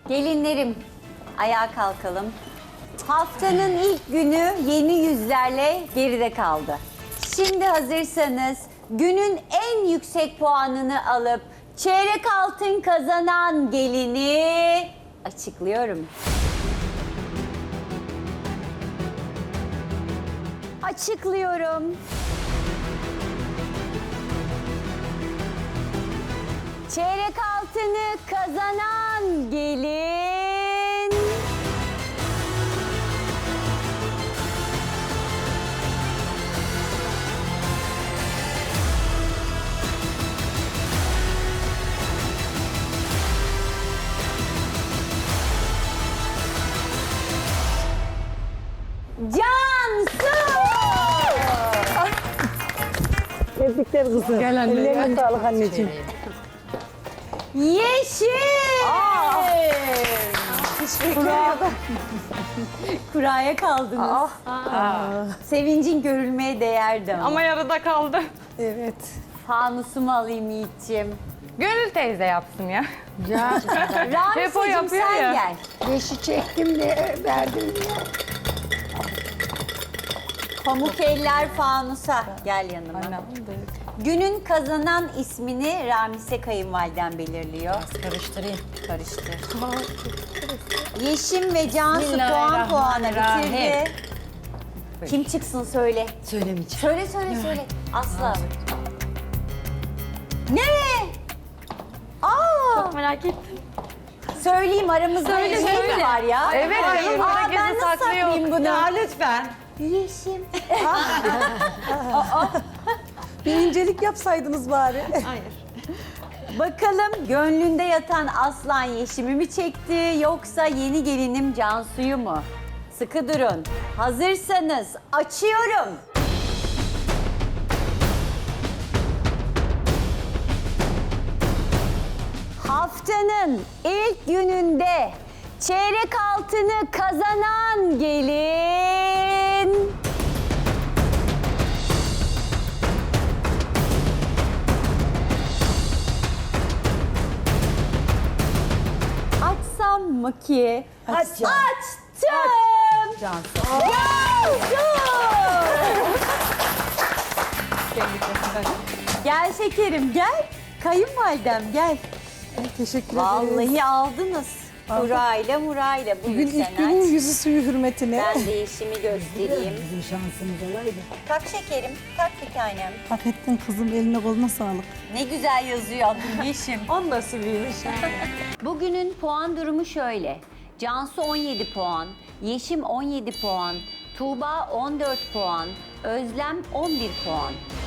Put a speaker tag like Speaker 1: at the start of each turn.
Speaker 1: Gelinlerim, ayağa kalkalım. Haftanın ilk günü yeni yüzlerle geride kaldı. Şimdi hazırsanız günün en yüksek puanını alıp çeyrek altın kazanan gelini açıklıyorum. Açıklıyorum. Çeyrek altını kazanan gelin... Cansu!
Speaker 2: Tebrikler kızım.
Speaker 3: Gel anne,
Speaker 2: Ellerine
Speaker 3: gel.
Speaker 2: sağlık anneciğim.
Speaker 1: Yeşil! Kuraya kaldınız. Sevincin görülmeye değerdi ama.
Speaker 3: Ama yarıda kaldı.
Speaker 2: Evet.
Speaker 1: Fanusumu alayım Yiğit'ciğim.
Speaker 3: Gönül teyze yapsın ya. Hep o
Speaker 1: Ramise'cim
Speaker 3: yapıyor
Speaker 1: sen
Speaker 3: ya.
Speaker 1: gel.
Speaker 2: Beşi çektim de verdim ya.
Speaker 1: Pamuk eller fanusa. Gel yanıma. Günün kazanan ismini Ramise kayınvaliden belirliyor.
Speaker 4: Karıştırayım.
Speaker 1: Karıştır. Yeşim ve Cansu puan puana bitirdi. Kim çıksın söyle.
Speaker 4: Söylemeyeceğim.
Speaker 1: Söyle. Asla. Ne? Aa!
Speaker 4: Çok merak ettim.
Speaker 1: Söyleyeyim aramızda bir şey mi var ya?
Speaker 3: Evet, canım, burada
Speaker 1: Aa,
Speaker 3: gizli
Speaker 1: ben nasıl
Speaker 3: saklı yok.
Speaker 1: saklayayım bunu?
Speaker 4: Ya lütfen.
Speaker 1: Yeşim.
Speaker 2: Bir incelik yapsaydınız bari.
Speaker 4: Hayır.
Speaker 1: Bakalım gönlünde yatan aslan Yeşim'i mi çekti yoksa yeni gelinim Cansu'yu mu? Sıkı durun. Hazırsanız açıyorum. Haftanın ilk gününde çeyrek altını kazanan gelin... Açsam mı ki?
Speaker 2: Aç ya.
Speaker 1: Açtım. Cansu. Gel şekerim gel. Kayınvalidem gel.
Speaker 2: Teşekkür ederiz.
Speaker 1: Vallahi aldınız. Murayla.
Speaker 2: Bugün
Speaker 1: Bugün
Speaker 2: ilk
Speaker 1: sen
Speaker 2: günün
Speaker 1: aç.
Speaker 2: yüzü suyu hürmetine.
Speaker 1: Ben de işimi göstereyim.
Speaker 2: Bizim şansımız olaydı.
Speaker 1: Tak şekerim. Tak bir tanem.
Speaker 2: Hak ettin kızım, eline koluna sağlık.
Speaker 1: Ne güzel yazıyor adın Yeşim.
Speaker 4: On nasibiymiş.
Speaker 1: Bugünün puan durumu şöyle. Cansu 17 puan, Yeşim 17 puan, Tuğba 14 puan, Özlem 11 puan.